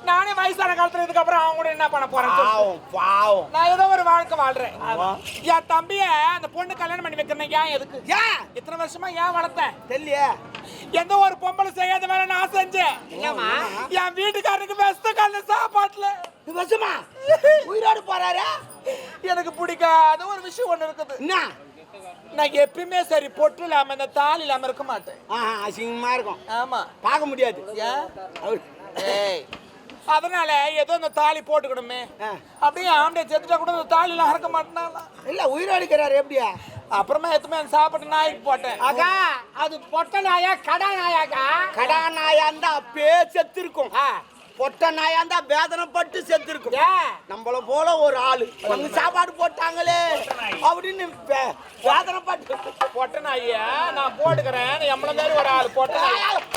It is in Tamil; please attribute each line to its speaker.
Speaker 1: நானே வயசான காலத்துல இதுக்கப்புறம் அவங்க கூட என்ன பண்ண போறேன்?
Speaker 2: பாவம்.
Speaker 1: நான் ஏதோ ஒரு வாழ்க்கை வாழ்றேன். என் தம்பிய அந்த பொண்ணு கல்யாணம் பண்ணி வைக்கிறேன். ஏன் எதுக்கு?
Speaker 2: ஏன்
Speaker 1: இத்தனை வருஷமா ஏன் வளர்த்தேன்
Speaker 2: தெரியலையே.
Speaker 1: எந்த ஒரு பொம்பளை செய்யாத வேலை நான் செஞ்சேன். என் வீட்டுக்காரனுக்கு வெஸ்த கால சாப்பாட்டுல
Speaker 2: வருஷமா உயிரோடு போறாரு.
Speaker 1: எனக்கு பிடிக்காத ஒரு விஷயம் ஒண்ணு இருக்குது.
Speaker 2: என்ன?
Speaker 1: நான் எப்பயுமே சரி பொட்டு இல்லாம இந்த தாலி இல்லாம இருக்க மாட்டேன்.
Speaker 2: அசிங்கமா இருக்கும்.
Speaker 1: ஆமா,
Speaker 2: பார்க்க முடியாது.
Speaker 1: ஏன்? அதனால ஏதோ இந்த தாலி போட்டுக்கணுமே அப்படியே ஆம்பளை செத்துட்டா கூட இந்த தாலி எல்லாம் இருக்க மாட்டேனா?
Speaker 2: இல்ல உயிரோடு இருக்கிறாரு. எப்படியா?
Speaker 1: அப்புறமா எத்துமே சாப்பிட்டு நாய்க்கு போட்டேன்.
Speaker 2: அக்கா அது பொட்ட நாயா கடா நாயாக்கா? கடா நாயா இருந்தா அப்பே செத்து இருக்கும். பொட்ட நாயா இருந்தா வேதனைப்பட்டு செத்து இருக்கும். நம்மள போல ஒரு ஆளு வந்து சாப்பாடு போட்டாங்களே அப்படின்னு வேதனைப்பட்டு.
Speaker 1: பொட்ட நாயா நான் போட்டுக்கிறேன். எம்மள மாதிரி ஒரு ஆள் பொட்ட நாய்